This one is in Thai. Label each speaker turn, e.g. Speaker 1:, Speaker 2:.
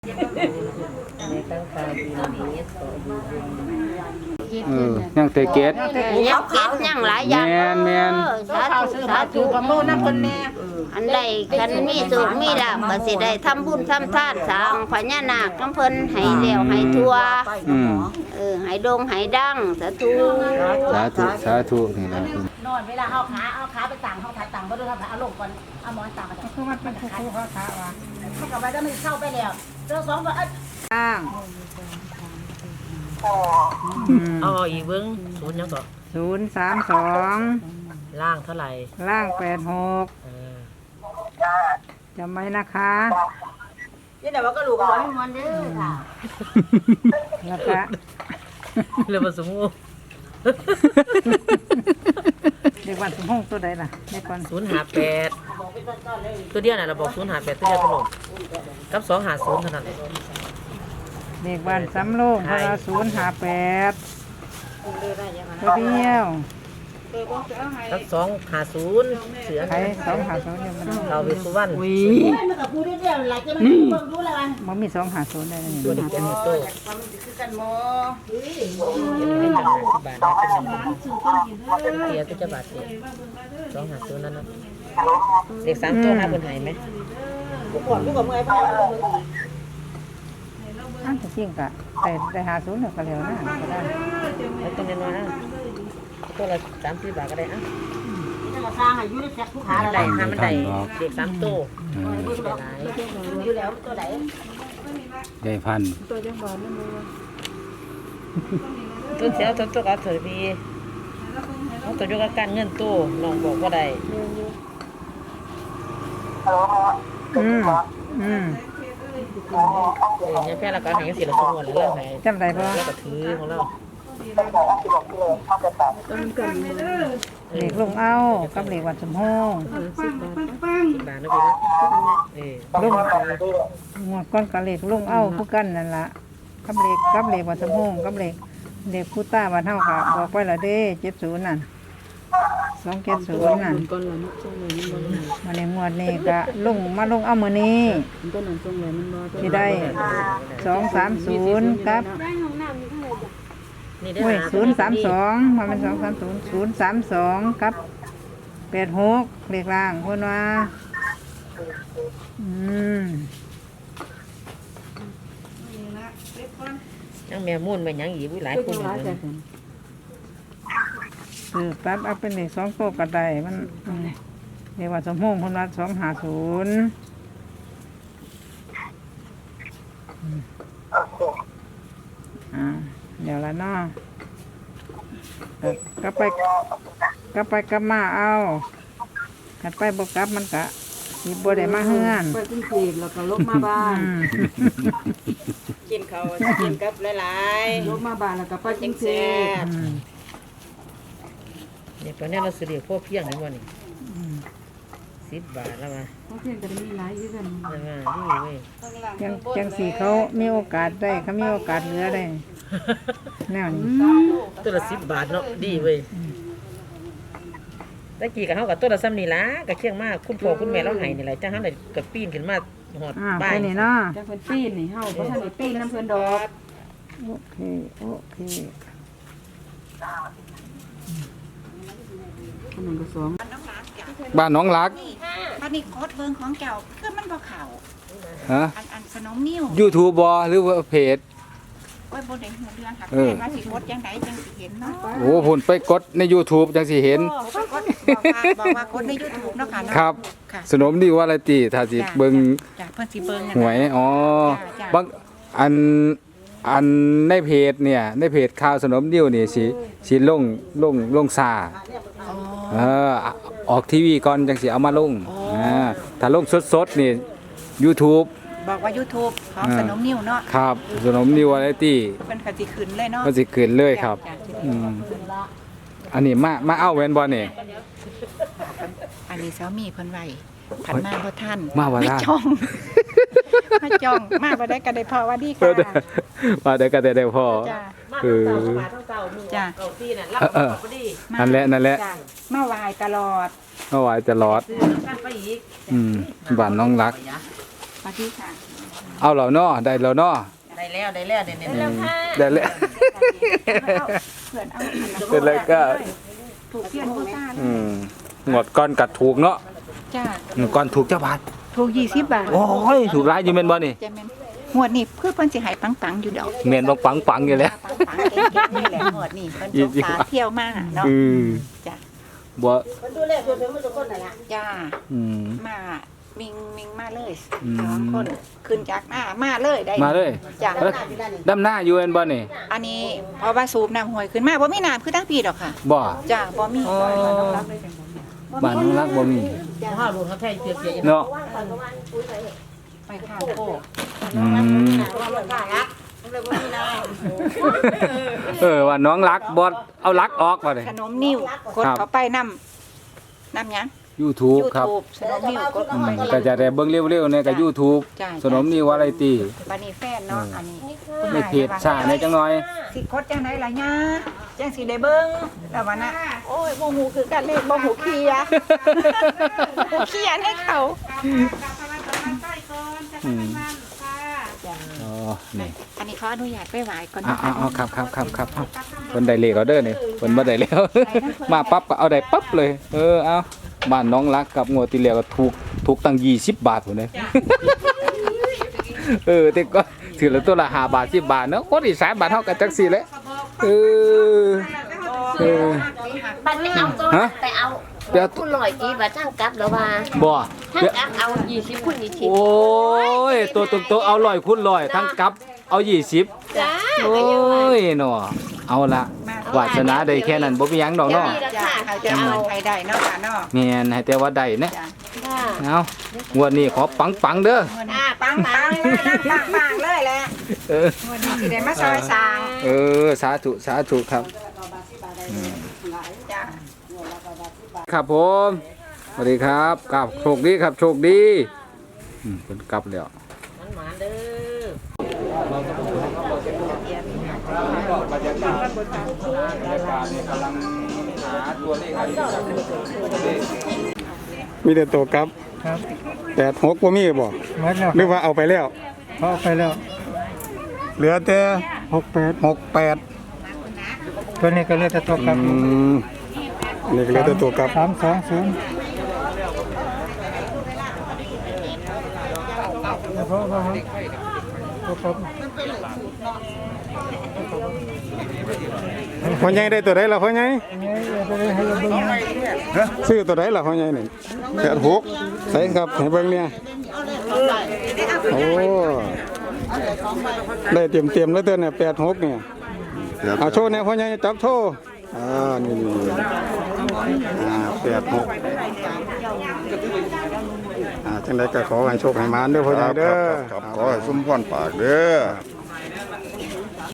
Speaker 1: ยังเตเกต
Speaker 2: ยังเก็บยังหลายอย่าง
Speaker 1: แม่น
Speaker 2: สาธุสาธุกับโมนักคนแม่อันใดคันมีสุขมีลาภก็สิได้ทำบุญทำทานสร้างพญานาคน้ำเพิ่นให้เลี้ยวให้ทั่วให้ดงให้ดังสาธุ
Speaker 1: สาธุนี่นะ
Speaker 3: นอนเวลาเอาขาไปต่างเขาถัดต่างบ่ดูครับเอาลงก่อนเอาหมอนต่างมาคือมันเป็นคู่เขาขาว่ามันก็ไว้แล้วมันเข้าไปแล้วเจ้าสองก็
Speaker 4: ล่าง
Speaker 5: เอาอีกเบิ้งศูนย์ยังต่อ
Speaker 4: 032
Speaker 5: ล่างเท่าไหร่
Speaker 4: ล่าง86จำไว้นะคะ
Speaker 3: นี่แต่ว่าก็ลูกร้อยมันเด้อค่ะ
Speaker 4: แล้วก็
Speaker 5: เรื่องผสม
Speaker 4: เด็กวันสมพงษ์ตัวใดล่ะเด็กวัน
Speaker 5: 058ตัวเดียวน่ะเราบอก058ตัวเดียวตลอดกับ250เท่านั้น
Speaker 4: เด็กวันสำโรงพระ058ตัวเดียว
Speaker 5: กับ250เสือ
Speaker 4: ใคร250เนี่ยมัน
Speaker 5: เราไปสุวรรณ
Speaker 3: มันก็พูดเรื่อยๆหลายจะมันเบิ่งดูแล้วกัน
Speaker 4: บ่มี250ได้นี่
Speaker 5: ตัวนี้เป็นโต
Speaker 3: คือกันหมอ
Speaker 5: เป็นจัง50 บาทเป็นเกียร์จะบาท250นั่นนะเด็ก3ตัวหาเพิ่นให้มั้ย
Speaker 3: ก่อนลูกกับเมื่อยพ่อ
Speaker 4: อันจริงก็ได้50แล้วก็แล้วนะก็ได้
Speaker 5: แล้วต้องน้อยๆนะตัวละ30 บาทก็ได้อ่ะ
Speaker 3: มาสร้างให้อยู่ในแพ็คผู้ค้าอะไร
Speaker 5: มันได้เด็ก3ตัว
Speaker 3: อยู่แล้วตัวไหน
Speaker 1: ได้พัน
Speaker 4: ตัวจังบ่นั่นบ่
Speaker 5: ตัวเสียตัวก็เถิดพี่เอาตัวอยู่กับการเงินตู้น้องบอกว่าได้เนี่ยแค่เราก็ให้สิละสมวนแล้วให้
Speaker 4: จำได้บ่
Speaker 5: แล้วก็ถือของเรา
Speaker 4: เด็กลงเอากับเด็กวันสมพงษ์
Speaker 5: บาทนะพี่นะ
Speaker 4: ลงงวดก้อนกับเด็กลงเอาผู้กันนั่นล่ะกับเด็กวันสมพงษ์กับเด็กผู้ต้าวันเฮาก็บอกไว้แล้วเด้70นั่น270นั่นมาในงวดนี้ก็ลงเอามื้อนี้สิได้230กับโอ้ย032มันเป็น230 032กับ86เลขล่างเพิ่นว่า
Speaker 5: ยังแม่มุ่นไปยังอีกหลายคน
Speaker 4: ปั๊บเอาเป็นเลข2โต๊ะก็ได้มันเรียกว่าสมพงษ์เพิ่นว่า250เดี๋ยวละเนาะกลับไปมาเอาขัดไปบ่กลับมันกะสิบ่ได้มาเฮือน
Speaker 3: ไปกรุงเทพแล้วก็ลบมาบ้านกินข้าวกินกับหลายๆลบมาบ้านแล้วก็ไปกรุงเทพ
Speaker 5: เนี่ยตอนนี้เราสิเรียกพวกเพียงให้บ่นี่10 บาทแล้วมา
Speaker 3: พวกเพียงก็มีหลายอยู่กัน
Speaker 5: นี่เว้ย
Speaker 4: จังสีเขามีโอกาสได้เขามีโอกาสเหลือได้แนวนี้
Speaker 5: ตัวละ10 บาทเนาะดีเว้ยตะกี้กับเฮากับตัวละซ้ำนี่ล่ะก็เคียงมากคุณพ่อคุณแม่เราให้นี่แหละจังเฮาได้ก็ปีนขึ้นมาฮอดบ้าน
Speaker 4: นี่เนาะ
Speaker 3: จังเพิ่นปีนนี่เฮาบ่ทันได้ปีนนำเพิ่นดอก
Speaker 4: โอเค
Speaker 3: 1กับ2
Speaker 1: บ้านน้องรัก
Speaker 3: บัดนี้โคตรเบิ่งของเจ้าคือมันบ่เข้าอันสนมนิ้ว
Speaker 1: YouTube บ่หรือว่าเพจ
Speaker 3: โอ้ยบ่ได้ฮู้เรื่องค่ะว่าสิกดจังไดจังสิเห็นเนาะ
Speaker 1: โอ้พุ่นไปกดใน YouTube จังสิเห็น
Speaker 3: บอกว่ากดใน YouTube เนาะค่ะเนาะ
Speaker 1: ครับสนมดีว่าอะไรติถ้าสิเบิ่ง
Speaker 3: จ้ะเพิ่นสิเบิ่ง
Speaker 1: หวยบางอันในเพจเนี่ยในเพจข่าวสนมดิ้วนี่สิลงซาออกทีวีก่อนจังสิเอามาลงถ้าลงสดๆนี่ YouTube
Speaker 3: บอกว่า YouTube ของสนมนิ้วเนาะ
Speaker 1: ครับสนมนิ้ววาไรตี้
Speaker 3: มันก็สิขึ้นเลยเนาะ
Speaker 1: มันสิขึ้นเลยครับอันนี้มาเอาแว่นบ่นี่
Speaker 3: อันนี้สามีเพิ่นไว้ผันมาบ่ทัน
Speaker 1: มาบ่ทัน
Speaker 3: มาจ้องมาบ่ได้ก็ได้พอว่าดีค่ะ
Speaker 1: มาได้ก็ได้พอ
Speaker 3: จ้ะ
Speaker 5: เอาซี่น่ะรับพอดี
Speaker 1: นั่นแหละ
Speaker 3: มาไหว้ตลอด
Speaker 1: บ้านน้องรัก
Speaker 3: สวัสดีค่ะ
Speaker 1: เอาแล้วเนาะได้แล้วเนาะ
Speaker 5: ได้แล้วเดี๋ยว
Speaker 1: ได้แล้วเป็นไรก็
Speaker 4: ถูกเพี้ยนผู้ซ่า
Speaker 1: งวดก่อนกัดถูกเนาะ
Speaker 4: จ้า
Speaker 1: ก่อนถูกเจ้าบาท
Speaker 4: ถูก20 บาท
Speaker 1: โอ้ยถูกหลายอยู่แม่นบ่นี่
Speaker 4: จะแม่นงวดนี้เพื่อเพิ่นสิให้ปังๆอยู่ดอก
Speaker 1: แม่นบ่ปังๆอยู่แล้ว
Speaker 4: ปังๆเก่งๆนี่แหละงวดนี้เพิ่นสงสารเที่ยวมาเนาะ
Speaker 1: อืม
Speaker 4: จ้ะ
Speaker 1: บ่
Speaker 3: คนดูแลตัวถึงมันทุกคนนั่นล่ะ
Speaker 4: จ้า
Speaker 1: อืม
Speaker 4: มามิงมาเลย
Speaker 1: อืม
Speaker 4: สองคนขึ้นจากมาเลยได้
Speaker 1: มาเลย
Speaker 4: จ้ะ
Speaker 1: เอ้ยดำหน้าอยู่แม่นบ่นี่
Speaker 4: อันนี้เพราะว่าสูบน้ำห้วยขึ้นมาบ่มีน้ำคือทั้งปีดอกค่ะ
Speaker 1: บ่
Speaker 4: จ้าบ่มี
Speaker 1: อ๋อบ้านน้องรักบ่มี
Speaker 5: พ่อหลวงเขาแท้เสีย
Speaker 1: เนาะ
Speaker 4: ไปข้าวโพด
Speaker 1: อืม ว่าน้องรักบ่เอารักออกบ่นี่
Speaker 4: ขนมนิ้วกด
Speaker 1: ครับ
Speaker 4: เข้าไปน้ำหยัง
Speaker 1: YouTube ครับ
Speaker 4: YouTube ขนมนิ้วกดเข้าไป
Speaker 1: ก็จะได้เบิ่งเร็วๆเนี่ยก็ YouTube
Speaker 4: จ้ะ
Speaker 1: สนมนิววาไรตี
Speaker 4: บัดนี้แฟนเนาะอันนี้
Speaker 1: ในเพจซ่าในจังน้อย
Speaker 4: สิกดจังไดล่ะย่าจังสิได้เบิ่งแล้วว่าน่ะโอ้ยบ่ฮู้คือกันเลขบ่ฮู้เคลียร์บ่เคลียร์ให้เขา
Speaker 1: อืมอ๋อนี่
Speaker 4: อันนี้ขออนุญาตไปไหว้ก่อน
Speaker 1: เอาครับเอาเพิ่นได้เลขเอาเด้อนี่เพิ่นบ่ได้แล้ว มาปั๊บก็เอาได้ปั๊บเลย เอาบ้านน้องรักกับงวดที่แล้วก็ถูกตั้ง20 บาทพุ่นเด้ แต่ก็ถือละตัวละ5 บาท10 บาทเนาะคนอีสานบ้านเฮาก็จักซี่แหละเออ
Speaker 2: บัดนี้เอาตัว
Speaker 1: ฮะ
Speaker 2: ไปเอา
Speaker 1: เดี๋ยว
Speaker 2: ผู้ลอยกี่บาททั้งกลับแล้วว่า
Speaker 1: บ่
Speaker 2: ทั้ง
Speaker 1: เดี๋ยว
Speaker 2: กลับเอา20คุณ20
Speaker 1: โอ้ยตัวตรงๆเอา100คูณ100ทั้งกลับเอา20
Speaker 2: จ้า
Speaker 1: โอ้ยเนาะเอาละวาสนาได้แค่นั้นบ่มีหยังดอก
Speaker 2: จะ
Speaker 1: เนาะ
Speaker 2: มีรา
Speaker 4: จ้ะ
Speaker 2: คา
Speaker 4: เขา
Speaker 2: จะ
Speaker 4: จะ
Speaker 2: เอา
Speaker 4: เอาไปได้เนาะค่ะเนาะ
Speaker 1: แม่นให้แต่ว่าได้นะ
Speaker 4: จ้ะ
Speaker 2: ค่ะ
Speaker 1: เอางวดนี้ขอปังๆเด้อ
Speaker 4: ปังเลยแหละ
Speaker 1: เออ
Speaker 4: วันนี้สิได้มาซอยสร้าง
Speaker 1: สาธุครับ
Speaker 4: จ้ะ
Speaker 1: ครับผมสวัสดีครับกลับโชคดีครับโชคดีเพิ่นกลับแล้ว
Speaker 5: หมาเด้อ
Speaker 1: บรรยากาศนี่กำลังหาตัวเลขอะไร
Speaker 6: มีแต่ตัวกลับ
Speaker 7: ครับ
Speaker 6: 86บ่มีบ่
Speaker 7: หมดแล้ว
Speaker 6: หรือว่าเอาไปแล้ว
Speaker 7: เขาเอาไปแล้ว
Speaker 6: เหลือแต่
Speaker 7: 68
Speaker 6: 68
Speaker 7: ตัวนี้ก็เหลือแต่ตัวกลับ
Speaker 6: นี่ก็เหลือแต่ตัวกลับ
Speaker 7: 320เพราะว่าตัวกลับ
Speaker 6: พ่อใหญ่ได้ตัวใดล่ะพ่อใหญ่
Speaker 7: เนี่ยจะได้ให้เราเบิ่งนะ
Speaker 6: ซื้อตัวใดล่ะพ่อใหญ่นี่86ใส่ครับให้เบิ่งเนี่ยโอ้ได้เตรียมๆแล้วเด้อเนี่ย86เนี่ยเอาโชว์เนี่ยพ่อใหญ่จับโชว์นี่86จังได๋ก็ขอให้โชคให้หมานเด้อพ่อใหญ่เด้อ
Speaker 8: ครับขอให้สมพรปากเด้อ